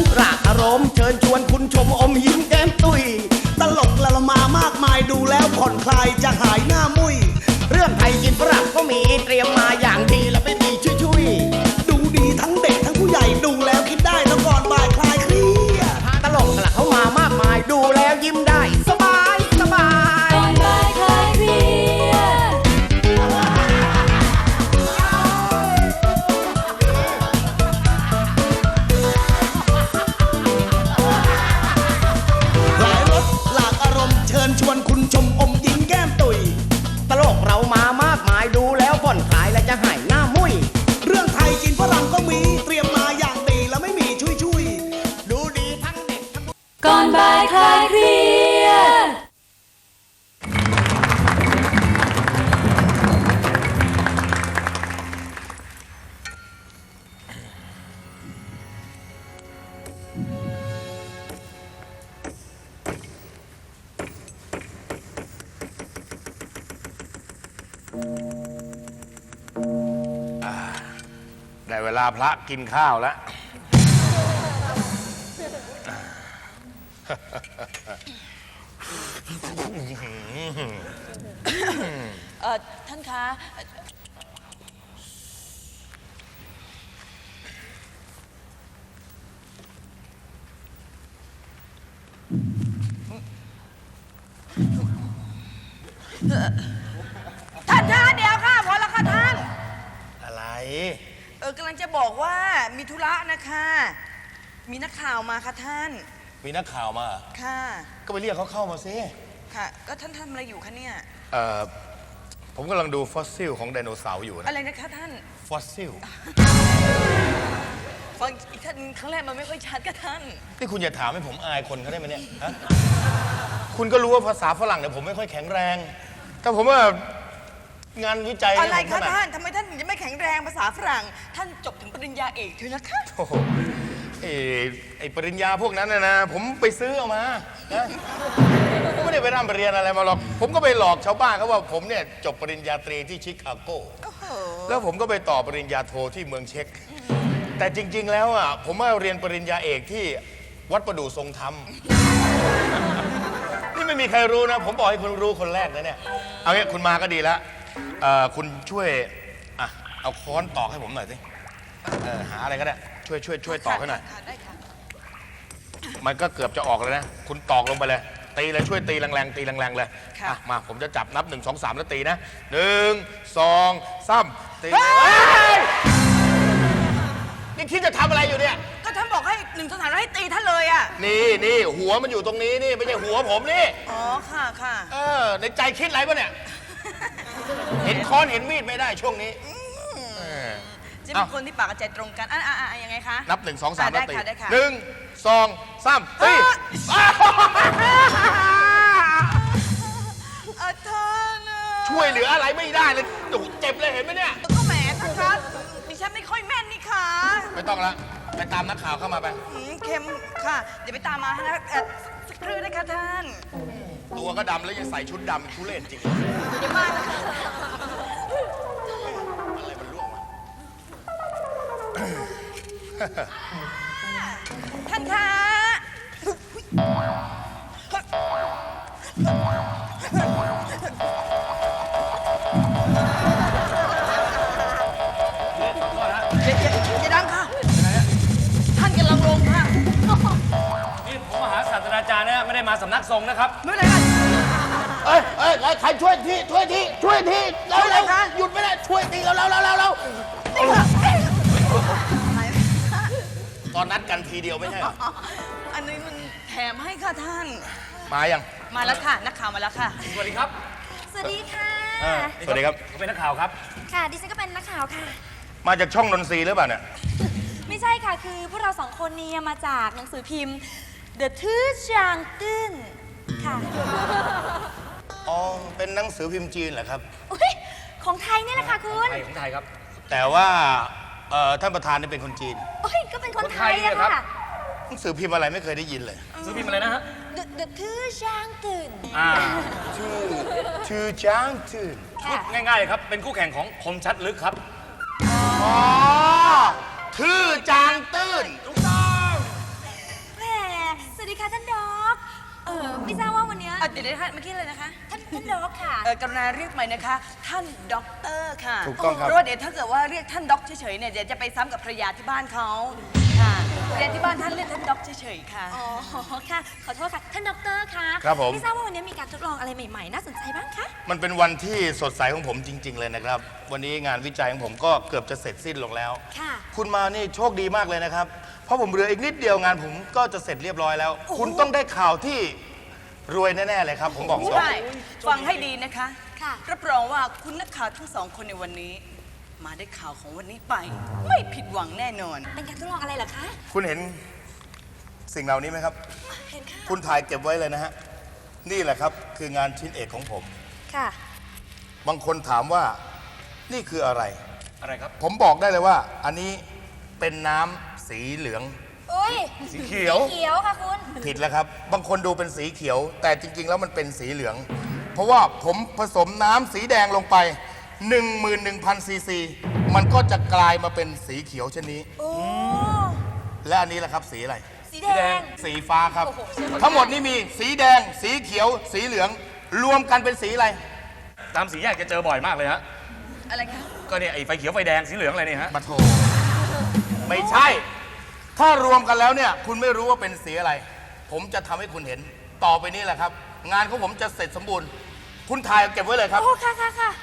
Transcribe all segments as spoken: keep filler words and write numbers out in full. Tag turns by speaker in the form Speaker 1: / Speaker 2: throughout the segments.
Speaker 1: รากอารมณ์เชิญชวนคุณชมอมยิ้มแก้มตุยตลกละละมามากมายดูแล้วผ่อนคลายจะหายหน้ามุยเรื่องไทยกินฝรั่งก็มีเตรียมมาอย่างดีแล้วไม่มีชุยๆดูดีทั้งเด็กทั้งผู้ใหญ่ดูแล้วคิดได้แล้วก่อนบ่ายคลายเครียดตลกละเข้ามามากมายดูแล้วยิ้มได้สบายสบาย
Speaker 2: ก่อนบ่ายคลายเครียด
Speaker 1: หลายรสหลากอารมณ์เชิญชวนคุณชมอมยิ้มแก้มตุยตลกเรามามากมายดูแล้วผ่อนคลายและจะหายหน้ามุยเรื่องไทยกินฝรั่งก็มีเตรียมมาอย่างดีแล้วไม่มีชุยชุยดูดีทั้งเด็กทั้ง
Speaker 2: ก่อนบ่ายคลายเครียด
Speaker 3: ได้เวลาพระกินข้าวแล้ว
Speaker 4: เอ่อท่านคะท่านคะเดี๋ยวค่ะพอแล้วค่ะท่าน
Speaker 3: อะไร
Speaker 4: เออกำลังจะบอกว่ามีธุระนะคะมีนักข่าวมาค่ะท่าน
Speaker 3: มีนักข่าวมา
Speaker 4: ค่ะ
Speaker 3: ก็ไปเรียกเขาเข้ามาสิ
Speaker 4: ค่ะก็ท่านทำอะไรอยู่คะเนี่ย
Speaker 3: เอ่อผมกำลังดูฟอสซิลของไดโนเสาร์อยู่นะ
Speaker 4: อะไรนะคะท่าน
Speaker 3: ฟอสซิล
Speaker 4: ฟังอีกท่านครั้งแรกมันไม่ค่อยชัดค่ะท่าน
Speaker 3: นี่คุณอย่าถามให้ผมอายคนเขาได้ไหมเนี่ยฮะคุณก็รู้ว่าภาษาฝรั่งเนี่ยผมไม่ค่อยแข็งแรงแต่ผมว่างานวิจัย
Speaker 4: อะไรคะท่านทำไมท่านถึงจะไม่แข็งแรงภาษาฝรั่งท่านจบถึงปริญญาเอกเถอะนะคะ
Speaker 3: โอ้โหไอ้ไอ้ปริญญาพวกนั้นนะนะผมไปซื้อเอามานะผมไม่ได้ไปร่ำเรียนอะไรมาหรอกผมก็ไปหลอกชาวบ้านเขาว่าผมเนี่ยจบปริญญาตรีที่ชิคาโกแล้วผมก็ไปต่อปริญญาโทที่เมืองเช็กแต่จริงๆแล้วอ่ะผมมาเรียนปริญญาเอกที่วัดประดู่ทรงธรรมนี่ไม่มีใครรู้นะผมบอกให้คุณรู้คนแรกนะเนี่ยเอางี้คุณมาก็ดีแล้วคุณช่วยอ่ะเอาค้อนตอกให้ผมหน่อยสิหาอะไรก็ได้ช่วยช่วยช่วยตอกให้หน่อยมันก็เกือบจะออกเลยนะคุณตอกลงไปเลยตีเลยช่วยตีแรงๆตีแรงๆเลยมาผมจะจับนับหนึ่งสองสามแล้วตีนะหนึ่งสองสามตีนี่คิดจะทำอะไรอยู่เนี่ย
Speaker 4: ก็ท่านบอกให้หนึ่งสองสามแล้วให้ตีท่านเลยอ่ะ
Speaker 3: นี่นี่หัวมันอยู่ตรงนี้นี่ไม่ใช่หัวผมนี่
Speaker 4: อ๋อค่ะค่ะ
Speaker 3: เออในใจคิดอะไรปะเนี่ยเห็นค้อนเห็นมีดไม่ได้ช่วงนี้
Speaker 4: จะเป็นคนที่ปากกับใจตรงกันอ่ะอ่ะอ่ะยังไงคะ
Speaker 3: นับหนึ่งสองสามแล้วตี
Speaker 4: ได้ค่ะ
Speaker 3: หนึ่งสองสามตีช่วยเหลืออะไรไม่ได้เลยเจ็บเลยเห็นไหมเนี่ย
Speaker 4: ก็แหมท่านคะดิฉันไม่ค่อยแม่นนี่ค่ะ
Speaker 3: ไม่ต้องละไปตามนักข่าวเข้ามาไป
Speaker 4: เค็มค่ะเดี๋ยวไปตามมาให้นะสักครู่นะคะท่าน
Speaker 3: ตัวก็ดำแล้วยังใส่ชุดดำทุเรศจริง
Speaker 4: อย่ามานะคะ
Speaker 3: อะไรมันล่วงมา
Speaker 4: ท่านคะอย่าดังค่ะท่านกำลังลงค่ะ
Speaker 5: นี่ผมมาหาศาสตราจารย์นะไม่ได้มาสำนักทรงนะครับ
Speaker 4: ไม่เป็นไร
Speaker 1: เอ้ยเอ้ยใครช่วยทีช่วยทีช่วยทีเร็วเร็วหยุดไม่ได้ช่วยทีเร็วเร็วเร็วเร็วเร็ว
Speaker 3: ตอนนัดกันทีเดียวไม่ใช่หรอ
Speaker 4: อันนี้มันแถมให้ค่ะท่าน
Speaker 3: มายัง
Speaker 4: มาแล้วค่ะนักข่าวมาแล้วค่ะ
Speaker 5: สวัสดีครับ
Speaker 2: สวัสดีค่ะ
Speaker 3: สวัสดีครับ
Speaker 5: ผมเป็นนักข่าวครับ
Speaker 2: ค่ะดิฉันก็เป็นนักข่าวค่ะ
Speaker 3: มาจากช่องนนทรีหรือเปล่าเนี่ย
Speaker 2: ไม่ใช่ค่ะคือพวกเราสองคนนี้มาจากหนังสือพิมพ์ The ทื่อจางตื้นค่ะ
Speaker 3: อ๋อเป็นหนังสือพิมพ์จีนเหรอครับ
Speaker 2: ของไทยนี่แหละค่ะคุณ
Speaker 5: ของไทยครับ
Speaker 3: แต่ว่าท่านประธานนี่เป็นคนจีน
Speaker 2: โอ้ยก็เป็นคนไทยอะค่ะ
Speaker 3: หนังสือพิมพ์อะไรไม่เคยได้ยินเลย
Speaker 5: หนังสือพิมพ์อะไรนะฮะ
Speaker 2: The ทื่อจางตื้น
Speaker 5: อ่า
Speaker 3: ทื่อทื่อจางตื้น
Speaker 5: ง่ายๆครับเป็นคู่แข่งของคมชัดลึกครับ
Speaker 3: อ๋อทื่อจางตื้น
Speaker 5: ถูกต้อง
Speaker 2: เออไม่ทราบว่าวันเนี้ย
Speaker 4: อ่ะเดี๋ยวนะคะเมื่อกี้เลยนะคะ
Speaker 2: ท่านท่านดอกค่ะ
Speaker 4: เออกรุณาเรียกใหม่นะคะ ท่านด็อกเตอร์ค่ะ
Speaker 3: ถูกต้องครับ
Speaker 4: เพราะว่าเดี๋ยวถ้าเกิดว่าเรียกท่านด็อกเฉยๆเนี่ยเดี๋ยวจะไปซ้ำกับภรรยาที่บ้านเขาค่ะภรรยาที่บ้านท่านเรียกท่านด็อกเฉยๆค่ะ
Speaker 2: อ๋อค่ะ ขอโทษค่ะ ท่านด็อกเตอร์คะ
Speaker 3: ครับผม
Speaker 2: ไม่ทราบว่าวันนี้มีการทดลองอะไรใหม่ๆ น่าสนใจบ้างคะ
Speaker 3: มันเป็นวันที่สดใสของผมจริง ๆ เลยนะครับ วันนี้งานวิจัยของผมก็เกือบจะเสร็จสิ้นลงแล้ว
Speaker 2: ค่ะ
Speaker 3: คุณมานี่โชคดีมากเลยนะครับ เพราะผมเหลืออีกนิดเดียวงานผมก็จะเสร็จเรียบร้อยแล้ว คุณต้องได้ข่าวที่รวยแน่ๆเลยครับ ผมบอกตรง
Speaker 4: ใช่ ฟังให้ดีนะคะ
Speaker 2: ค่ะ
Speaker 4: รับรองว่าคุณนักข่าวทั้งสองคนในวันนี้ มาได้ข่าวของวันนี้ไป ไม่ผิดหวังแน่นอน
Speaker 2: เป็นการทดลองอะไรเหรอคะ
Speaker 3: คุณเห็นสิ่งเหล่านี้ไหมครับ
Speaker 2: เห็นค่ะ
Speaker 3: คุณถ่ายเก็บไว้เลยนะฮะ นี่แหละครับคืองานชิ้นเอกของผม
Speaker 2: ค่ะ
Speaker 3: บางคนถามว่านี่คืออะไร
Speaker 5: อะไรครับ
Speaker 3: ผมบอกได้เลยว่า อันนี้เป็นน้ำสีเหลือง
Speaker 2: โอ้ย
Speaker 3: สีเขียว
Speaker 2: เขียวค่ะคุณ
Speaker 3: ผิดแล้วครับ บางคนดูเป็นสีเขียว แต่จริง ๆ แล้วมันเป็นสีเหลือง เพราะว่าผมผสมน้ำสีแดงลงไป หนึ่งหมื่นหนึ่งพัน ซีซี มันก็จะกลายมาเป็นสีเขียวเช่นนี้
Speaker 2: โอ้
Speaker 3: และอันนี้แหละครับสีอะไร
Speaker 2: สีแดง
Speaker 3: สีฟ้าครับ
Speaker 2: โอ้โหสวยมาก
Speaker 3: ทั้งหมดนี้มีสีแดง สีเขียว สีเหลือง รวมกันเป็นสีอะไร
Speaker 5: ตามสีแยกจะเจอบ่อยมากเลยฮะ
Speaker 4: อะไรคะ
Speaker 5: ก็เนี่ยไอ้ไฟเขียวไฟแดงสีเหลืองอะไรเนี่ยฮะ
Speaker 3: มาโทไม่ใช่ ถ้ารวมกันแล้วเนี่ย คุณไม่รู้ว่าเป็นสีอะไร ผมจะทำให้คุณเห็น ต่อไปนี้แหละครับ งานของผมจะเสร็จสมบูรณ์ คุณถ่ายเก็บไว้เลยครับ
Speaker 2: โอ้ ค่ะค่ะค่ะ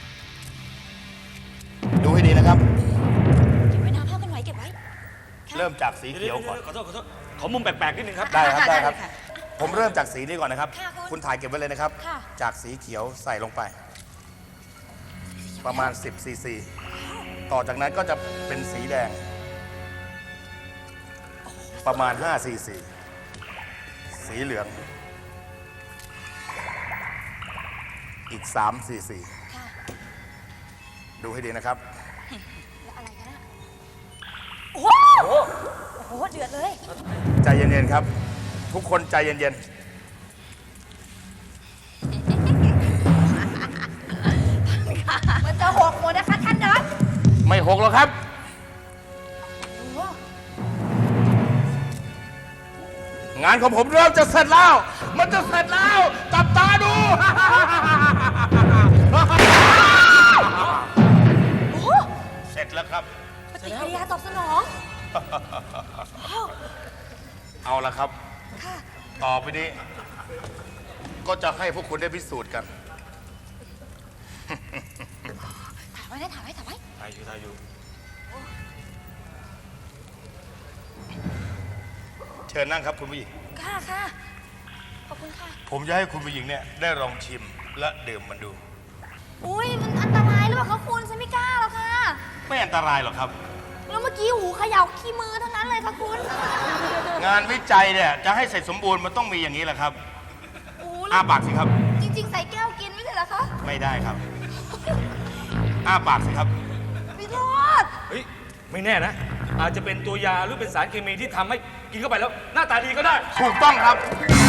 Speaker 3: ดูให้ดีนะครับ
Speaker 2: เก็บไว้นะภาพกันไว้เก็บไว้
Speaker 3: เริ่มจากสีเขียวก่อน
Speaker 5: ขอโทษขอโทษขอมุมแปลกๆนิดนึงครับ
Speaker 3: ได้ครับ
Speaker 4: ค่ะ
Speaker 3: ได้ครับ
Speaker 4: ได้ค่ะ
Speaker 3: ผมเริ่มจากสีนี้ก่อนนะครับ
Speaker 2: ค่ะคุณ
Speaker 3: คุณถ่ายเก็บไว้เลยนะครับ
Speaker 2: ค่ะ
Speaker 3: จากสีเขียวใส่ลงไป ประมาณ สิบ ซีซี ต่อจากนั้นก็จะเป็นสีแดง ประมาณ ห้า ซีซี สีเหลือง อีก สาม ซีซี
Speaker 2: ค่ะ
Speaker 3: ดูให้ดีนะครับ
Speaker 2: แล้วอะไรกันอะโอ้โหโอ้โห เดือดเลย
Speaker 3: ใจเย็นๆครับ ทุกคนใจเย็น
Speaker 2: มันจะหกหมดนะคะท่านดอก
Speaker 3: ๆ ไม่หกหรอกครับ
Speaker 2: โอ้โห
Speaker 3: งานของผมเริ่มจะเสร็จแล้ว มันจะเสร็จแล้ว จับตาดู
Speaker 2: โอ้โห
Speaker 3: เสร็จแล้วครับ
Speaker 2: ปฏิกิริยาตอบสนอง
Speaker 3: เอาละครับ
Speaker 2: ค่ะ
Speaker 3: ต่อไปนี้ ก็จะให้พวกคุณได้พิสูจน์กัน
Speaker 2: ถ่ายไว้นะถ่ายไว้ถ่ายไว้
Speaker 5: ถ่ายอยู่ถ่ายอยู่
Speaker 3: เชิญนั่งครับคุณผู้หญิง
Speaker 2: ค่ะค่ะ ขอบคุณค่ะ
Speaker 3: ผมจะให้คุณผู้หญิงเนี่ยได้ลองชิมและดื่มมันดู
Speaker 2: อุ้ยมันอันตรายหรือเปล่าคะคุณฉันไม่กล้าหรอกค่ะ
Speaker 3: ไม่อันตรายหรอกครับ
Speaker 2: แล้วเมื่อกี้หูเขย่าขี้มือทั้งนั้นเลยค่ะคุณ
Speaker 3: งานวิจัยเนี่ยจะให้เสร็จสมบูรณ์มันต้องมีอย่างนี้แหละครับ
Speaker 2: โอ้
Speaker 3: อ้าปากสิครับ
Speaker 2: จริง ๆ ใส่แก้วกินไม่ใช่เหรอคะ
Speaker 3: ไม่ได้ครับ อ้าปากสิครับ
Speaker 2: พี่โทษ
Speaker 5: เฮ้ย ไม่แน่นะ อาจจะเป็นตัวยาหรือเป็นสารเคมีที่ทำให้กินเข้าไปแล้ว หน้าตาดีก็ได้
Speaker 3: ถูกต้องครับ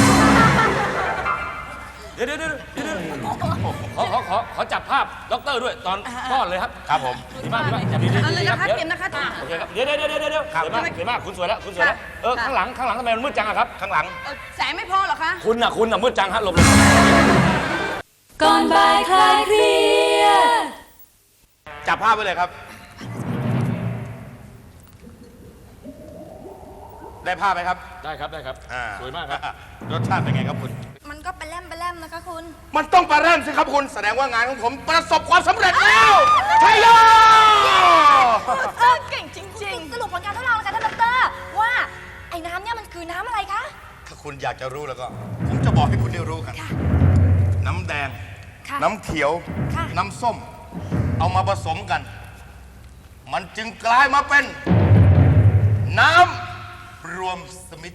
Speaker 5: เดี๋ยวเดี๋ยวเดี๋ยวเดี๋ยวขอขอขอขอจับภาพด็อกเตอร์ด้วยตอนป้อนเลยครับ
Speaker 3: ครับผม
Speaker 5: ดีมากดีมากจับดีๆ
Speaker 4: เอาเลยนะคะ
Speaker 5: ดี๋ว
Speaker 4: เตรียมนะคะ
Speaker 5: โอเคครับ เดี๋ยวเดี๋ยวเดี๋ยวเดี๋ยวเดี๋ยว
Speaker 3: ครับ
Speaker 5: สวยมากสวยมากคุณสวยแล้วคุณสวยแล้ว เออ
Speaker 4: ค่ะ
Speaker 5: ข้างหลังข้างหลังทำไมมันมืดจังอะครับ
Speaker 3: ข้างหลัง
Speaker 4: เอ่อแสงไม่พอเหรอคะ
Speaker 5: คุณน่ะคุณน่ะมืดจังฮะหลบหลบ
Speaker 2: ก่อนบ่ายคลายเครียด
Speaker 3: จับภาพไว้เลยครับ ได้ภาพไหมครับ
Speaker 5: ได้ครับได้ครับ
Speaker 3: อ่า
Speaker 5: สวยมากครับ
Speaker 3: รสชาติเป็นไงครับคุณ
Speaker 2: มันก็ไปแลมไปแลมนะคะคุณ
Speaker 3: มันต้องประเริ่มสิครับคุณ แสดงว่างานของผมประสบความสำเร็จแล้วใช่โย
Speaker 2: เออเก่งจริงๆ สรุปผลการทดลองกันท่านดอกเตอร์ว่าไอ้น้ำเนี่ยมันคือน้ำอะไรคะ
Speaker 3: ถ้าคุณอยากจะรู้แล้วก็ ผมจะบอกให้คุณได้รู้กัน
Speaker 2: ค่ะ
Speaker 3: น้ำแดง
Speaker 2: ค่ะ
Speaker 3: น้ำเขียว
Speaker 2: ค่ะ
Speaker 3: น้ำส้ม เอามาผสมกัน มันจึงกลายมาเป็น น้ำรวมสมิธ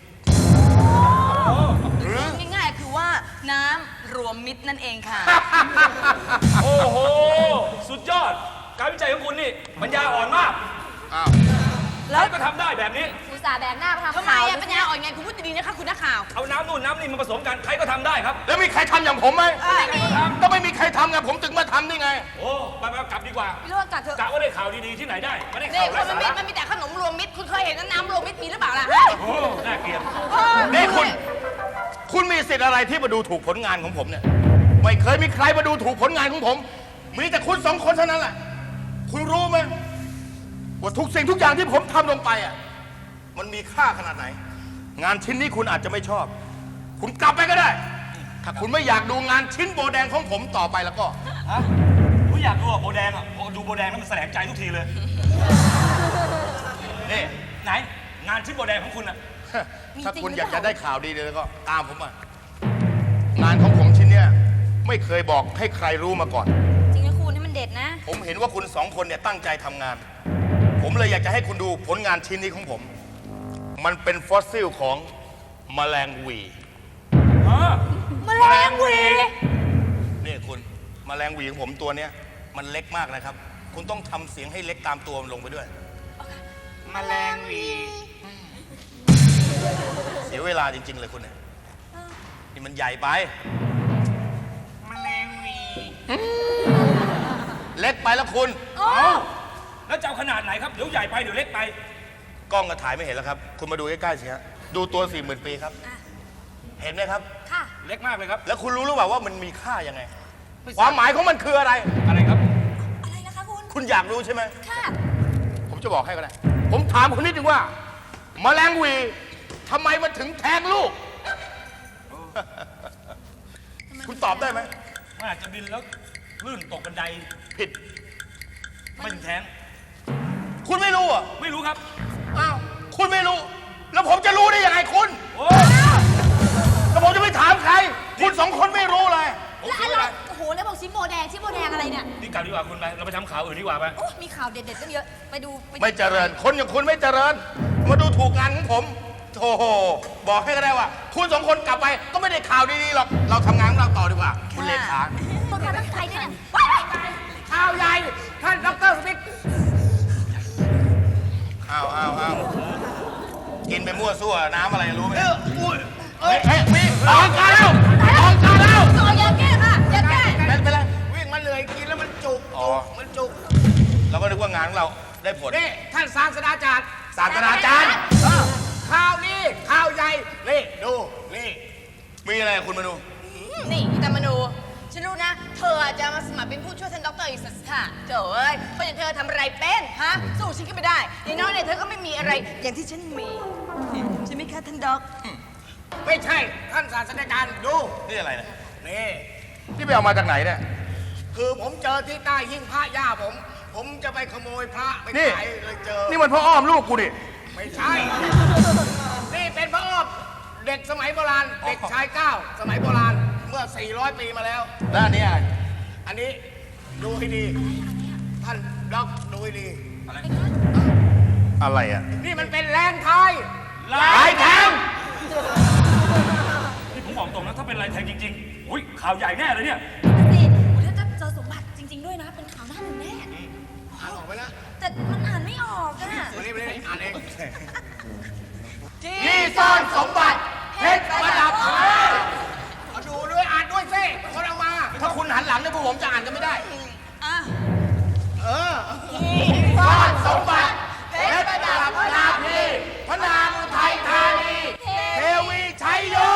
Speaker 3: หรือ
Speaker 4: ง่ายๆคือว่าน้ำรวมมิตรนั่นเองค่ะ
Speaker 5: โอ้โห สุดยอด การวิจัยของคุณนี่ปัญญาอ่อนมาก
Speaker 3: อ้าว
Speaker 5: แล้วก็ทำได้แบบนี้
Speaker 2: อุตส่าห์แบกหน้ามาทำ
Speaker 4: ทำไม
Speaker 2: ข่าว
Speaker 4: อะปัญญาอ่อนไงคุณพูดดีๆนะคะคุณนักข่าว
Speaker 5: เอาน้ำนู่นน้ำนี่มาผสมกัน ใครก็ทำได้ครับ
Speaker 3: แล้วมีใครทำอย่างผมไหม
Speaker 5: ไม่มีครับ
Speaker 3: ก็ไม่มีใครทำไงผมถึงมาทำนี่ไง
Speaker 5: โอ้ไปไปกลับดีกว่า
Speaker 2: พี่โรจน์กัดเถอะ
Speaker 5: กะว่าได้ข่าวดีๆที่ไหนได้ไม่ได้
Speaker 4: นี่
Speaker 5: ข่าว
Speaker 4: ค
Speaker 5: ไร้
Speaker 4: นมัน
Speaker 5: สา
Speaker 4: มี
Speaker 5: ระ
Speaker 4: มันมีแต่ขนมรวมมิตรคุณเคยเห็นน้ำรวมมิตรมีหรือเปล่าล่ะ
Speaker 5: โอ้น่าเกลียด
Speaker 3: นี่คุณ คุณมีสิทธิ์อะไรที่มาดูถูกผลงานของผมเนี่ยไม่เคยมีใครมาดูถูกผลงานของผมมีแต่คุณสองคนเท่านั้นแหละคุณรู้ไหมว่าทุกสิ่งทุกอย่างที่ผมทำลงไปอ่ะมันมีค่าขนาดไหน งานชิ้นนี้คุณอาจจะไม่ชอบ คุณกลับไปก็ได้ ถ้าคุณไม่อยากดูงานชิ้นโบแดงของผมต่อไปแล้วก็
Speaker 5: ฮะผมอยากดูอะโบแดงอะโอ้ดูโบแดงแล้วมันแสลงใจทุกทีเลย นี่ไหน งานชิ้นโบแดงของคุณอะ
Speaker 3: ถ้าคุณอยากจะได้ข่าวดีเลยแล้วก็ตามผมมางานของผมชิ้นเนี้ยไม่เคยบอกให้ใครรู้มาก่อน
Speaker 2: จริงนะคุณให้มันเด็ดนะ
Speaker 3: ผมเห็นว่าคุณสองคนเนี่ยตั้งใจทำงาน ผมเลยอยากจะให้คุณดูผลงานชิ้นนี้ของผม มันเป็นฟอสซิลของแมลงหวี
Speaker 5: ฮะ
Speaker 2: แมลงหวี
Speaker 3: นี่คุณแมลงหวีของผมตัวเนี้ยมันเล็กมากนะครับ คุณต้องทำเสียงให้เล็กตามตัวมันลงไปด้วยแมลงหวีเสียเวลาจริง ๆ เลยคุณเนี่ยนี่มันใหญ่ไปแมลงหวีเล็กไปแล้วคุณ
Speaker 5: เอ้าแล้วจะเอาขนาดไหนครับ เดี๋ยวใหญ่ไปเดี๋ยวเล็กไป
Speaker 3: กล้องก็ถ่ายไม่เห็นแล้วครับ คุณมาดูใกล้ๆสิฮะดูตัวสี่หมื่นปีครับ เห็นไหมครับ
Speaker 2: ค่ะ
Speaker 5: เล็กมากเลยครับ
Speaker 3: แล้วคุณรู้หรือเปล่าว่ามันมีค่ายังไง ความหมายของมันคืออะไร
Speaker 5: อะไรครับ
Speaker 2: อะไรนะคะคุณ
Speaker 3: คุณอยากรู้ใช่ไหม
Speaker 2: ค่ะ
Speaker 3: ผมจะบอกให้ก็ได้ ผมถามคุณนิดนึงว่าแมลงหวีทำไมมันถึงแทงลูก คุณตอบได้ไหม
Speaker 5: มันอาจจะบินแล้วลื่นตกบันได
Speaker 3: ผิด
Speaker 5: ไม่ถึงแทง
Speaker 3: คุณไม่รู้อ่ะ
Speaker 5: ไม่รู้ครับ
Speaker 3: อ้าว คุณไม่รู้ แล้วผมจะรู้ได้ยังไงคุณ
Speaker 5: โอ้ย
Speaker 3: แล้วผมจะไปถามใคร คุณสองคนไม่รู้เลย
Speaker 2: แล้วอะไรโอ้โห แล้วบอกชิโบแดงชิโบแดงอะไรเนี่ย
Speaker 5: นี่กลับดีกว่าคุณไป เราไปทำข่าวอื่นดีกว่าไป
Speaker 2: โอ้มีข่าวเด็ดๆตั้งเยอะ ไปดูปดู
Speaker 3: ไม่เจริญ คนอย่างคุณไม่เจริญ มาดูถูกงานของผมโธ่บอกให้ก็ได้ว่า คุณสองคนกลับไปก็ไม่ได้ข่าวดีๆหรอก เราทำงานของเราต่อดีกว่า คุณเลขา
Speaker 2: ตัวการตั้งใจด้วยเนี่ย
Speaker 1: ข่าวใหญ่ ท่านดรสมิธ
Speaker 3: อ้าวอ้าวอ้าวกินไปมั่วซั่วน้ำอะไรรู้ไหม
Speaker 1: เอออุ้ย
Speaker 3: เฮ้ยเฮ้ยมีออกการแล้วออกการแล้ว
Speaker 2: โอ้ยอย่าแก้ค่ะอย่าแก้
Speaker 3: เป็นไปแล้ว
Speaker 1: วิ่งมาเลยกินแล้วมันจุก
Speaker 3: อ๋อ
Speaker 1: จุกมันจุก
Speaker 3: เราก็นึกว่างานของเราได้ผล
Speaker 1: นี่ท่านศาสตราจารย์
Speaker 3: ศาสตราจารย์
Speaker 1: เออข่าวนี้ข่าวใหญ่นี่ดูนี่
Speaker 3: มีอะไรคุณมาดู
Speaker 4: นี่อิตามนูฉันรู้นะ เธอจะมาสมัครเป็นผู้ช่วยท่านด็อกเตอร์อีกสักค่ะเจ้าเอ้ยเพราะอย่างเธอทำอะไรเป็นฮะสู้ฉันก็ไม่ได้อย่างน้อยเนี่ยเธอก็ไม่มีอะไรอย่างที่ฉันมีใช่ไหมคะท่านด็อก
Speaker 1: ไม่ใช่ท่านศาสตราจารย์ดู
Speaker 3: นี่อะไรเนี่ย
Speaker 1: นี่
Speaker 3: นี่ไปเอามาจากไหนเนี่ย
Speaker 1: คือผมเจอที่ใต้หิ้งพระย่าผม ผมจะไปขโมยพระไป
Speaker 3: นี่
Speaker 1: ขายเลยเจอ
Speaker 3: นี่มันพ่ออ้อมลูกกูดิ
Speaker 1: ไม่ใช่ นี่เป็นพระอ้อมเด็กสมัยโบราณ เด็กชายเก้าสมัยโบราณ เมื่อ สี่ร้อย ปีมาแล้ว
Speaker 3: แล้วอันนี้อะไร
Speaker 1: อันนี้ดูให้ดี ท่านด็อกดูให้ดี
Speaker 3: อะไรอ่ะ
Speaker 1: นี่มันเป็นแลนไทย
Speaker 5: ลา
Speaker 3: ลาย ยแทง
Speaker 5: นี่ผมบอกตรงนะ ถ้าเป็นลายแทงจริงๆ อุ้ยข่าวใหญ่แน่เลยเนี่ย
Speaker 2: สิถ้าจะเจอสมบัติจริง ๆ ด้วยนะ เป็นข่าวหน้าหนึ่งแน่
Speaker 1: อ่านออกไปแล้ว
Speaker 2: แต่มันอ่านไม่ออกอะ
Speaker 1: วันนี้ไม่ได้อ่านเอง
Speaker 3: ที่ซ่อนสมบัติเพชรประดับ
Speaker 1: เอาดูด้วยอ่านด้วยสิคนเอามา
Speaker 3: ถ้าคุณหันหลังเนี่ยพวกผมจะอ่านกันไม่ได้
Speaker 4: อ่ะ
Speaker 1: เออ
Speaker 3: ซ่อนสมบัติเพชรประดับพระนาพีพระนามอุทัยธานีเทวีชัยโย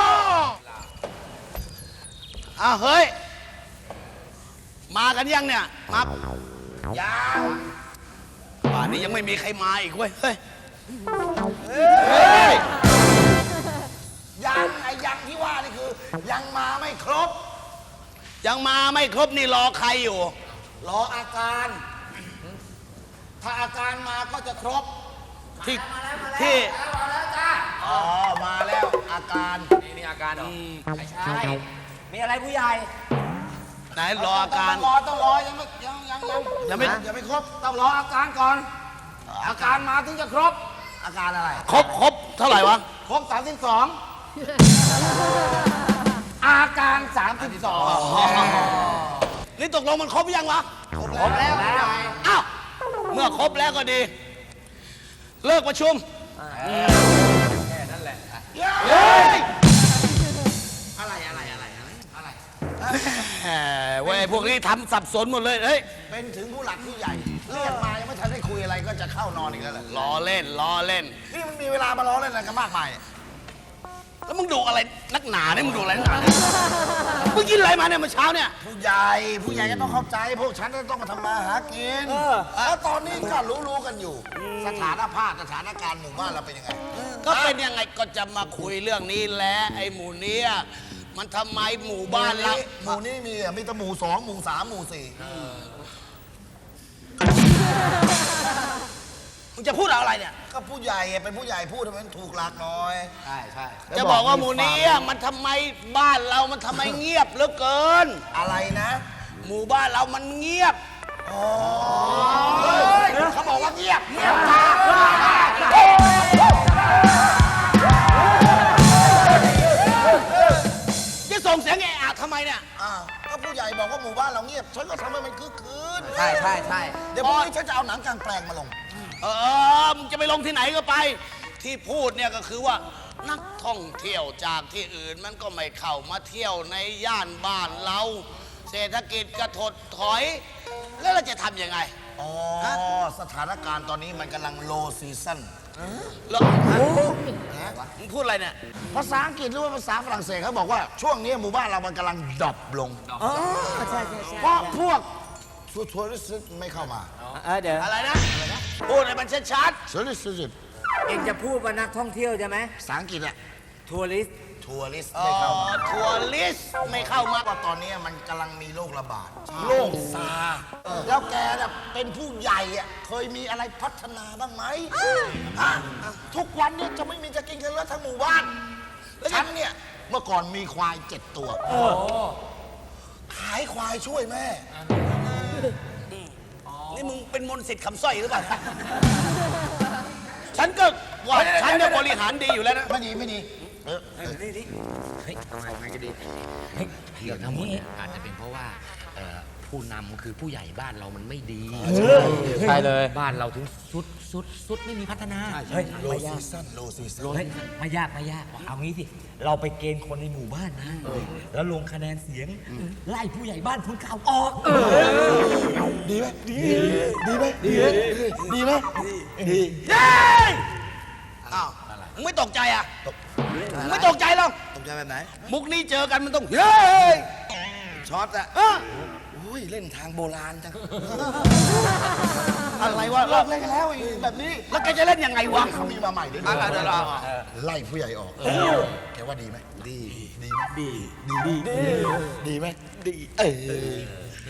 Speaker 1: อ่ะเฮ้ย มากันยังเนี่ย มา
Speaker 3: ยัง
Speaker 1: ป่านนี้ยังไม่มีใครมาอีกเว้ย เฮ้ย
Speaker 6: ยังไอ้ยังที่ว่านี่คือ ยังมาไม่ครบ
Speaker 1: ยังมาไม่ครบนี่รอใครอยู่
Speaker 6: รออาการ ถ้าอาการมาก็จะครบ
Speaker 1: ที่ที่
Speaker 6: อ๋อ มาแล้วอาการ
Speaker 5: นี่นี่อาการเหรอ
Speaker 6: ไม่ใช่ มีอะไรผู้ใหญ่
Speaker 1: ไหนรออาการ
Speaker 6: ต้องรอต้องรอยังไม่ยังยังยัง
Speaker 1: ยังไม่
Speaker 6: ยังไม่ครบ ต้องรออาการก่อน อาการมาถึงจะครบ อาการอะไร
Speaker 1: ครบครบเท่าไหร่วะ
Speaker 6: ครบสามสิบสองอาการสามสิบสอง
Speaker 1: นี่ตกลงมันครบหรือยังวะ
Speaker 6: ครบแล้วผู้ใหญ่
Speaker 1: อ้าว เมื่อครบแล้วก็ดี เลิกประชุม
Speaker 5: แค่นั้นแหละ
Speaker 1: เฮ้ย
Speaker 6: อะไรอะไรอะไรอะไรอะไร
Speaker 1: แหมเว้ยพวกนี้ทำสับสนหมดเลย เฮ้ย
Speaker 6: เป็นถึงผู้หลักผู้ใหญ่ เรียกมายังไม่ทันได้คุยอะไรก็จะเข้านอนอีกแล้วแหละ
Speaker 1: ล้อเล่นล้อเล่น
Speaker 6: นี่มันมีเวลามาล้อเล่นอะไรกันมากมาย
Speaker 1: ท
Speaker 6: แล้วมึงดูอะไรนักหนาเนี่ยมึงดูอะไรนักหนาเนี่ยมึงกินอะไรมาเนี่ยเมื่อเช้าเนี่ย
Speaker 7: ผู้ใหญ่ผู้ใหญ่ก็ต้องเข้าใจ พวกฉันก็ต้องมาทำมาหากินแล้วตอนนี้ก็รู้ๆกันอยู่ สถานภาพสถานการณ์หมู่บ้านเราเป็นยังไง
Speaker 6: ก็เป็นยังไงก็จะมาคุยเรื่องนี้แหละไอ้หมูเนี่ยมันทำไมหมู่บ้านเรา
Speaker 7: หมู่นี้มีอ่ะมีแต่หมู่สองหมู่สามหมู่สี่
Speaker 6: มึงจะพูดอะไรเนี่ย
Speaker 7: ก็ผู้ใหญ่อ่ะเป็นผู้ใหญ่พูดให้มันถูกหลักหน่อย
Speaker 6: ใช่ใช่จะบอกว่าหมู่นี้มันทำไมบ้านเรามันทำไมเงียบเหลือเกิน
Speaker 7: อะไรนะ
Speaker 6: หมู่บ้านเรามันเงียบ
Speaker 7: เขาบอกว่าเงียบเงียบ
Speaker 6: จะส่งเสียงแออะทำไมเนี่ย
Speaker 7: อ่าก็ผู้ใหญ่บอกว่าหมู่บ้านเราเงียบฉันก็ทำให้มันคึกคืน
Speaker 6: ใช่ใช่ใช่
Speaker 7: เดี๋ยวพรุ่งนี้ฉันจะเอาหนังกลางแปลงมาลง
Speaker 6: เออมึงจะไปลงที่ไหนก็ไป ที่พูดเนี่ยก็คือว่า นักท่องเที่ยวจากที่อื่นมันก็ไม่เข้ามาเที่ยวในย่านบ้านเรา เศรษฐกิจกระถดถอย แล้วเราจะทำยังไง
Speaker 7: อ๋อ สถานการณ์ตอนนี้มันกำลังโลซีซั่น
Speaker 6: แล้วมึงพูดอะไรเนี่ย
Speaker 7: ภาษาอังกฤษหรือว่าภาษาฝรั่งเศสเขาบอกว่าช่วงนี้หมู่บ้านเรามันกำลังดรอปลง เพราะพวกทัวริสต์ไม่เข้ามา
Speaker 6: อะไรนะ พูดให้มันชัด
Speaker 7: ทัวริสต์
Speaker 8: เองจะพูดว่านักท่องเที่ยวใช่ไหม
Speaker 7: ภาษาอังกฤษอะ
Speaker 8: ทัวริสต์
Speaker 7: ทัวริสต์
Speaker 6: ๆอ๋อ
Speaker 7: ไม่เข้ามา
Speaker 6: ทัวริสต์ไม่เข้ามา
Speaker 7: ว่าตอนนี้มันกำลังมีโรคระบาดโรคซาร์แล้วแกน่ะเป็นผู้ใหญ่อะเคยมีอะไรพัฒนาบ้างไหมฮะทุกวันเนี่ยจะไม่มีจะกินกันแล้วทั้งหมู่บ้านฉันเนี่ยเมื่อก่อนมีควายเจ็ดตัวขายควายช่วยแม่
Speaker 6: นี่มึงเป็นมนต์สิทธิ์คำสร้อยหรือเปล่า ฉันก็ว่าฉันเนี่ยบริหารดีอยู่แล้วนะ
Speaker 7: ไม่ดีไม่ดีเออ
Speaker 9: เดี๋ยวทั้งหมดเนี่ยอาจจะเป็นเพราะว่าเอ่อผู้นำคือผู้ใหญ่บ้านเรามันไม่ดี
Speaker 8: ใช่เลย
Speaker 9: บ้านเราถึงสุดสุดสุดไม่มีพัฒนา
Speaker 8: เฮ้ย
Speaker 7: โล
Speaker 8: ไม่
Speaker 7: ซี
Speaker 8: ยาก
Speaker 7: ซั่นโลซีซั่น
Speaker 8: เฮ้ยไม่ยากไม่ยาก เอางี้สิ เราไปเกณฑ์คนในหมู่บ้านนะ แล้วลงคะแนนเสียง ไล่ผู้ใหญ่บ้านคนเก่าออก
Speaker 7: ดีไหมดีดีไหมดีดีไหมดี
Speaker 6: อ้าวมึงไม่ตกใจอ่ะมึงไม่ตกใจหรอก
Speaker 7: ตกใจแบบไหน
Speaker 6: มุกนี้เจอกันมันต้องเฮ้ย
Speaker 7: ช็อตอะ
Speaker 6: เออ
Speaker 7: อุ้ยเล่นทางโบราณจัง
Speaker 6: อะไรวะ
Speaker 7: เลิกเล่นกันแล้วอีกแบบนี้
Speaker 6: แล้วแกจะเล่นยังไงวะ
Speaker 7: เขามีมาใหม่ด้วย
Speaker 6: อ่ะเดี๋ยวเรา
Speaker 7: ไล่ผู้ใหญ่ออกแกว่าดีไหมดีดีไหมดีดีดีดีไหมดีเออ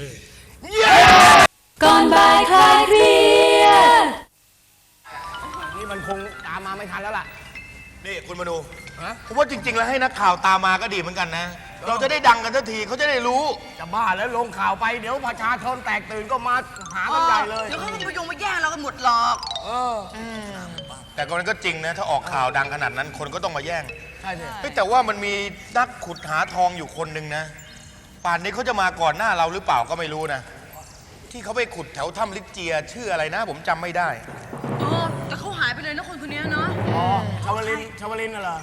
Speaker 2: ก่อนบ่ายคลายเครียด
Speaker 6: นี่มันคงตามมาไม่ทันแล้วล่ะ
Speaker 3: นี่คุณมาดูผมว่าจริง ๆ แล้วให้นักข่าวตามมาก็ดีเหมือนกันนะ เราจะได้ดังกันทันทีเขาจะได้รู้
Speaker 6: จะบ้าแล้วลงข่าวไปเดี๋ยวประชาชนแตกตื่นก็มาหากันใหญ่เลย
Speaker 4: เดี๋ยวเขาก็จะไปยงมาแย่งเรากันหมดหรอก
Speaker 3: แต่ก็มันก็จริงนะ ถ้าออกข่าวดังขนาดนั้นคนก็ต้องมาแย่ง
Speaker 6: ใช่สิ
Speaker 3: เฮ้ยแต่ว่ามันมีนักขุดหาทองอยู่คนหนึ่งนะ ป่านนี้เขาจะมาก่อนหน้าเราหรือเปล่าก็ไม่รู้นะ ที่เขาไปขุดแถวถ้ำลิเจียชื่ออะไรนะ ผมจำไม่ได้
Speaker 4: เออ แต่เขาหายไปเลยนะคนคนนี้เนาะ
Speaker 6: อ๋อชาวลินชาวลินน่ะเหรอ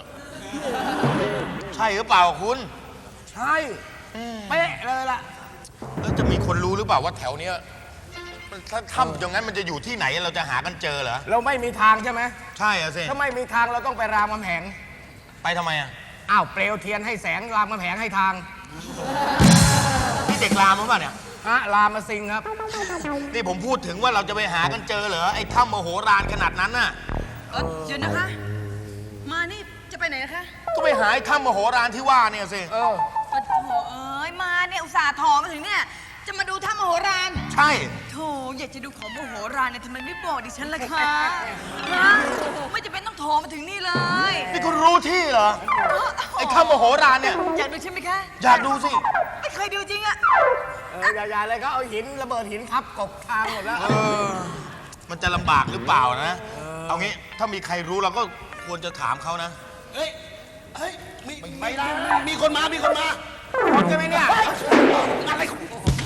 Speaker 3: ใช่หรือเปล่าคุณ
Speaker 6: ใช่เป๊ะเลยล่ะ
Speaker 3: แล้วจะมีคนรู้หรือเปล่าว่าแถวเนี้ยมันถ้าถ้ำตรงนั้นมันจะอยู่ที่ไหนเราจะหากันเจอเหรอ
Speaker 6: เราไม่มีทางใช่ไหม
Speaker 3: ใช่อะสิ
Speaker 6: ถ้าไม่มีทางเราต้องไปรามคำแหง
Speaker 3: ไปทำไมอะ
Speaker 6: อ้าวเปลวเทียนให้แสงรามคำแหงให้ทาง
Speaker 3: นี่เด็กรามหรือเปล่าเนี่ย
Speaker 6: ฮะรามมาสิงครับ
Speaker 3: นี่ผมพูดถึงว่าเราจะไปหากันเจอเหรอไอ้ถ้ำมโหฬารขนาดนั้นน่ะ
Speaker 4: เออเดี๋ยวนะคะ มานี่จะไปไหนนะคะ
Speaker 3: ก็ไปหาไอ้ถ้ำมโหฬารที่ว่าเนี่ยสิ
Speaker 6: เออ
Speaker 4: ปะโถเอ้ย มาเนี่ยอุตส่าห์ถอมาถึงเนี่ย จะมาดูถ้ำมโหฬาร
Speaker 3: ใช่
Speaker 4: โถอยากจะดูของมโหฬารเนี่ยทำไมไม่บอกดิฉันล่ะคะฮะไม่จะเป็นต้องโทรมาถึงนี่เลย
Speaker 3: นี่คุณรู้ที่เหรอ ไอ้ถ้ำมโหฬารเนี่ย
Speaker 4: อยากดูใช่ไหมคะ
Speaker 3: อยากดูสิ
Speaker 4: ไม่เคยดูจริงอะ
Speaker 6: เอออย่าๆเลยเขาเอาหินระเบิดหินทับกบทางหมดแล้ว
Speaker 3: เออ มันจะลำบากหรือเปล่านะ เอางี้ถ้ามีใครรู้เราก็ควรจะถามเขานะ
Speaker 6: เฮ้ย เฮ้ย มีมีมีคนมา มีคนมาคนใช่ไหมเนี่ยอะไรของ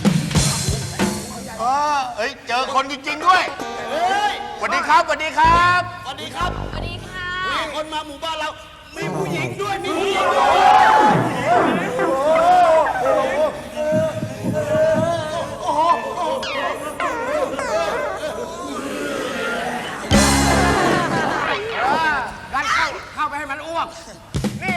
Speaker 3: เออเอ้ย เจอคนจริง ๆ ด้วย
Speaker 6: เฮ้ย
Speaker 3: สวัสดีครับสวัสดีครับ
Speaker 6: สวัสดีครับ
Speaker 2: สวัสดีค่ะ
Speaker 6: มีคนมาหมู่บ้านเรา มีผู้หญิงด้วย มีผู้หญิงด้วย งั้นเข้าเข้าไปให้มันอ้วก นี่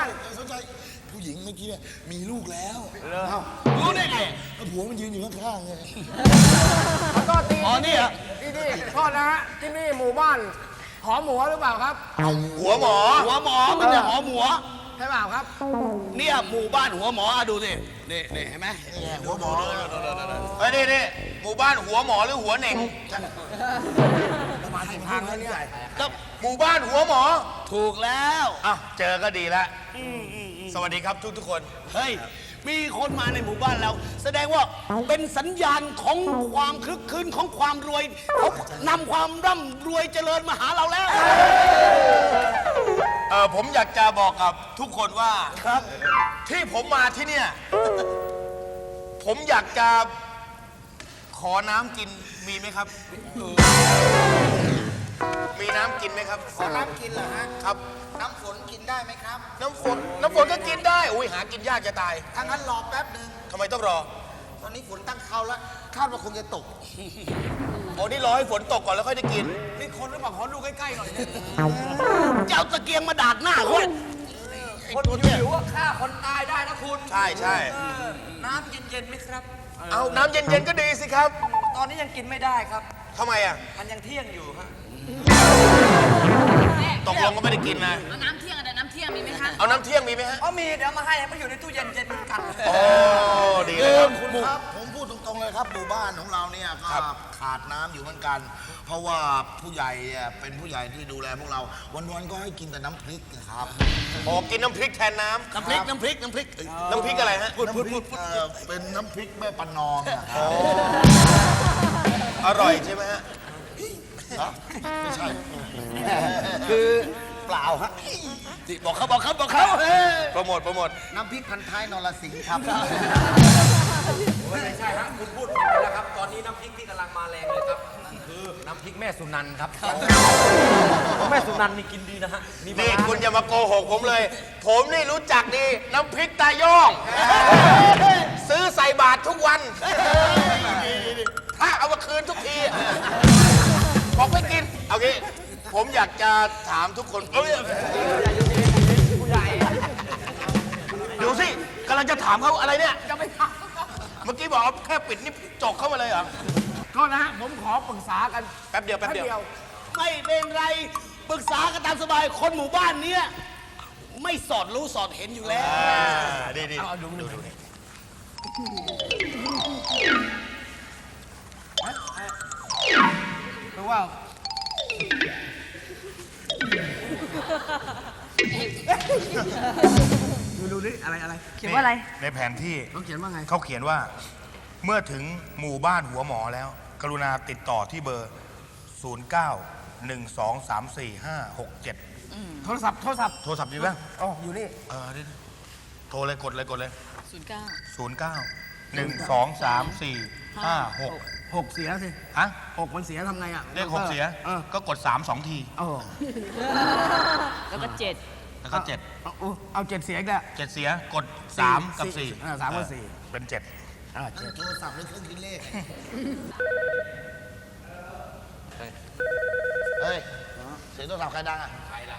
Speaker 7: านสนใจผู้หญิงเมื่อกี้เนี่ยมีลูกแล้วเอ้ารู้ได้ไงผัวมันยืนอยู่ข้างๆไง
Speaker 10: ก็ตี
Speaker 6: อ๋อนี่เหรอ
Speaker 10: ที่นี่โทษนะฮะที่นี่หมู่บ้านหอหมูหรือเปล่าครับ
Speaker 3: หัวหมอ
Speaker 6: หัวหมอมันจะหอหมัว
Speaker 10: ใช่เปล่าครับ
Speaker 6: เนี่ยหมู่บ้านหัวหมออ่ะดูสินี่นี่เห็นไหม
Speaker 7: หัวหมอ
Speaker 3: เฮ้ยนี่นี่หมู่บ้านหัวหมอหรือหัวเหน่ง
Speaker 7: มาถึงทางแล้วเนี่ย
Speaker 3: ก็หมู่บ้านหัวหมอ
Speaker 6: ถูกแล้ว
Speaker 3: อ้าวเจอก็ดีแล้วสวัสดีครับทุกทุกๆคน
Speaker 6: เฮ้ย มีคนมาในหมู่บ้านเรา แสดงว่าเป็นสัญญาณของความคลึกคลืนของความรวยเขานำความร่ำรวยเจริญมาหาเราแล้ว
Speaker 3: เออผมอยากจะบอกกับทุกคนว่าครับ ที่ผมมาที่เนี่ย ผมอยากจะขอน้ำกินมีไหมครับ มีน้ำกินไหมครับ
Speaker 7: ขอน้ำกินเหรอฮะ
Speaker 3: ครับ
Speaker 7: น้ำฝนกินได้ไหมครับ
Speaker 3: น้ำฝนน้ำฝนก็กินได้อุ้ยหากินยากจะตาย
Speaker 7: ถ้างั้นรอแป๊บหนึ่ง
Speaker 3: ทำไมต้องรอ
Speaker 7: ตอนนี้ฝนตั้งเขาแล้วคาดว่าคงจะตก
Speaker 3: โอ้นี่รอให้ฝนตกก่อนแล้วค่อยได้กิน
Speaker 10: นี่คนหรือเปล่าขอดูใกล้ๆหน่อยเนี่ย
Speaker 6: เจ้าตะเกียงมาดาดหน้าเขา
Speaker 10: คนหิวว่าฆ่าคนตายได้นะคุณ
Speaker 3: ใช่ใช่
Speaker 10: เออน้ำเย็นๆไหมครับ
Speaker 3: เอาน้ำเย็นๆก็ดีสิครับ
Speaker 10: ตอนนี้ยังกินไม่ได้ครับ
Speaker 3: ทำไมอ่ะ
Speaker 10: มันยังเที่ยงอยู่ฮะ
Speaker 3: ตกลงก็ไม่ได้กินนะ
Speaker 4: เอาน้ำเที่ยงอะน้ำเที่ยงมีไหมคะ
Speaker 3: เอาน้ำเที่ยงมีไหมฮะ
Speaker 10: อ๋อมีเดี๋ยวมาให้มาอยู่ในตู้เย็นเย็นเหมือนกัน
Speaker 3: โอ้ดีเลยครับ
Speaker 7: คุณครับ ผมพูดตรงๆเลยครับหมู่บ้านของเราเนี่ยก็
Speaker 3: ครับ
Speaker 7: ขาดน้ำอยู่เหมือนกัน เพราะว่าผู้ใหญ่เนี่ยเป็นผู้ใหญ่ที่ดูแลพวกเรา วันๆก็ให้กินแต่น้ำพริกนะครับ
Speaker 3: โอ้กินน้ำพริกแทนน้ำ
Speaker 6: น้ำพริกน้ำพริกน้ำพริกเอ้ย
Speaker 3: น้ำพริกอะไรฮะ
Speaker 7: พูดพูดพูดเป็นน้ำพริกแม่ปันนอมนะครับ
Speaker 3: อร่อยใช่ไหมฮะ
Speaker 7: ฮะไม่ใช่
Speaker 10: คือเปล่าฮะ
Speaker 6: ที่บอกเขาบอกเขาบอกเขาเฮ้ย
Speaker 3: โปรโมทโปรโมท
Speaker 7: น้ำพริกพันท้ายนรสิงห์ครับ
Speaker 8: ไม่ใช่ครับคุณพูดผิดไปแล้วครับ ตอนนี้น้ำพริกที่กำลังมาแรงเลยครับนั่นคือน้ำพริกแม่สุนันท์ครับ แม่สุนันท์นี่กินดีนะฮะมีปลา
Speaker 3: นี่
Speaker 8: ร้า
Speaker 3: คุณอย่ามาโกหกผมเลย ผมนี่รู้จักดี น้ำพริกตาย่อง ซื้อใส่บาตรทุกวัน ถ้าเอามาคืนทุกที บอกไม่กิน เอางี้ ผมอยากจะถามทุกคนเอ้ยดูสิกำลังจะถามเขาอะไรเนี่ย
Speaker 10: จะไม่ท
Speaker 3: เมื่อกี้บอกเอาแค่ปิดนี่จกเข้ามาเลยเหรอ
Speaker 10: ำโทษนะฮะผมขอปรึกษากัน
Speaker 3: แป๊บเดียวแป๊บเดียว
Speaker 6: ไม่เป็นไรปรึกษากันตามสบายคนหมู่บ้านเนี้ยไม่สอดรู้สอดเห็นอยู่แล้ว
Speaker 3: อ่าดีดีดูดูดูนี่
Speaker 10: คือว่า ดูดูนี่อะไรอะไร
Speaker 2: เขียนว่าอะไร
Speaker 3: ในแผนที่
Speaker 10: เขาเขียนว่าไง
Speaker 3: เขาเขียนว่าเมื่อถึงหมู่บ้านหัวหมอแล้ว กรุณาติดต่อที่เบอร์ ศูนย์ เก้า หนึ่ง สอง สาม สี่ ห้า หก เจ็ด
Speaker 10: โทรศัพท์โทรศัพท์
Speaker 3: โทรศัพท์ดีป่ะ
Speaker 10: อ๋ออยู่นี่
Speaker 3: เออนี่โทรเลยกดเลยกดเลย
Speaker 4: ศูนย์เก้า
Speaker 3: ศูนย์ เก้า หนึ่ง สอง สาม สี่ ห้า หก
Speaker 10: หกเสียสิ
Speaker 3: ฮะ
Speaker 10: หกมันเสียทำไงอ่ะ
Speaker 3: เลขหกเสีย
Speaker 10: เออ
Speaker 3: ก็กดสามสองที
Speaker 10: เออ
Speaker 4: แล้วก็เจ็ด
Speaker 3: แล้วก็เจ็ด
Speaker 10: เอาเอาเอาเจ็ดเสียอีกแล้ว
Speaker 3: เจ็ดเสียกดสามกับสี่
Speaker 10: อ่าสามกับสี่
Speaker 3: เป็นเจ็ด
Speaker 10: อ่าเจ็ด
Speaker 7: โทรศัพท์หรือเครื่องคิดเลข เฮ้ย เสียงโทรศัพท์ใครดังอ่ะ ใครล่ะ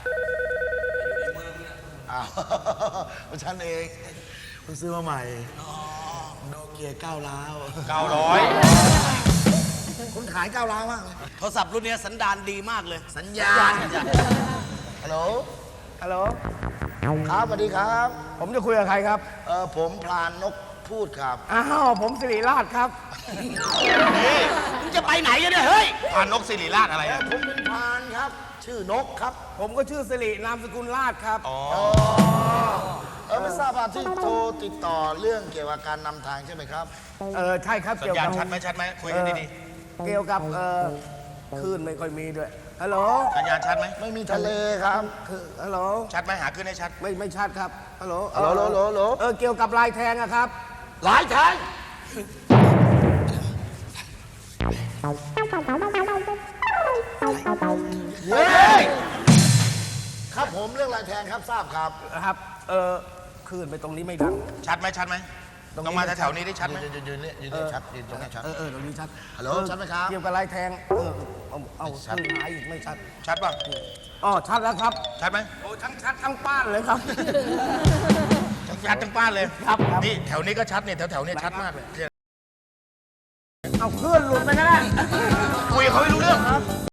Speaker 7: อ้าวเป็นฉันเองเพิ่งซื้อมาใหม่โนเกียเก้าล้าว
Speaker 3: เก้าร้อย
Speaker 7: คนขายเก้าล้าวมากเลย
Speaker 6: โทรศัพท์รุ่นเนี้ยสันดานดีมากเลย
Speaker 7: สัญญาณฮัลโหล
Speaker 10: ฮัลโหล
Speaker 7: ครับสวัสดีครับ
Speaker 10: ผมจะคุยกับใครครับ
Speaker 7: เออผมพลานนกพูดครับ
Speaker 10: อ้าวผมสิริราชครับ
Speaker 3: นี่
Speaker 6: มึงจะไปไหนกันเนี่ย เฮ้ย
Speaker 3: พานกสิริราชอะไรอะ
Speaker 7: ผมเป็นพลานครับ ชื่อนกครับ
Speaker 10: ผมก็ชื่อสิรินามสกุลราชครับ
Speaker 3: อ๋อ
Speaker 7: เออไม่ทราบว่าที่โทรติดต่อเรื่องเกี่ยวกับการนำทางใช่ไหมครับ
Speaker 10: เออใช่ครับ
Speaker 3: สัญ
Speaker 10: เกี่ยว
Speaker 3: ญาณ
Speaker 10: กับ
Speaker 3: ชัดไหมชัดไหมคุยกันดี
Speaker 10: เกี่ยวกับเออคลื่นไม่ค่อยมีด้วยฮัลโหล
Speaker 3: ๆสัญญาณชัดไหม
Speaker 7: ไม่มีทะเลครับ
Speaker 10: คือฮัลโหล
Speaker 3: ชัดไหมหาขึ้นให้ชัด
Speaker 10: ไม่ไม่ชัดครับฮัลโหล
Speaker 7: ฮัลโหลฮัลโหลฮัลโหล
Speaker 10: เออเกี่ยวกับลายแทงอะครับ
Speaker 7: หลายทางเฮ้ยครับผมเรื่องลายแทงครับทราบครับ
Speaker 10: นะครับ เออคลื่นไปตรงนี้ไม่ดัง
Speaker 3: ชัดไหมชัดไหมต้องมาแถวๆนี้ได้ชัดไหม
Speaker 7: ยืนยืนยืนเนี่ยยืนเนี่ยชัดยืนตรงนี้ชัด
Speaker 10: เออเออตรงนี้ชัด
Speaker 7: ฮัลโหลชัดไหมครับ
Speaker 10: เกี่ยวกับลายแทง เออ เอาเอาคือหายอีกไม่ชัด
Speaker 3: ชัดป่ะ
Speaker 10: อ๋อ ชัดแล้วครับ
Speaker 3: ชัดไหม
Speaker 10: โอ้ทั้งชัดทั้งป้านเลยครับ
Speaker 3: ชัดทั้งป้านเลย
Speaker 10: ครับครับ
Speaker 3: นี่แถวนี้ก็ชัดเนี่ยแถวๆเนี่ยชัดมากเลย
Speaker 10: เอาเคลื่อนหลุดไปก็ได้
Speaker 3: คุยกับเขาไม่รู้เรื่อง
Speaker 10: ครับ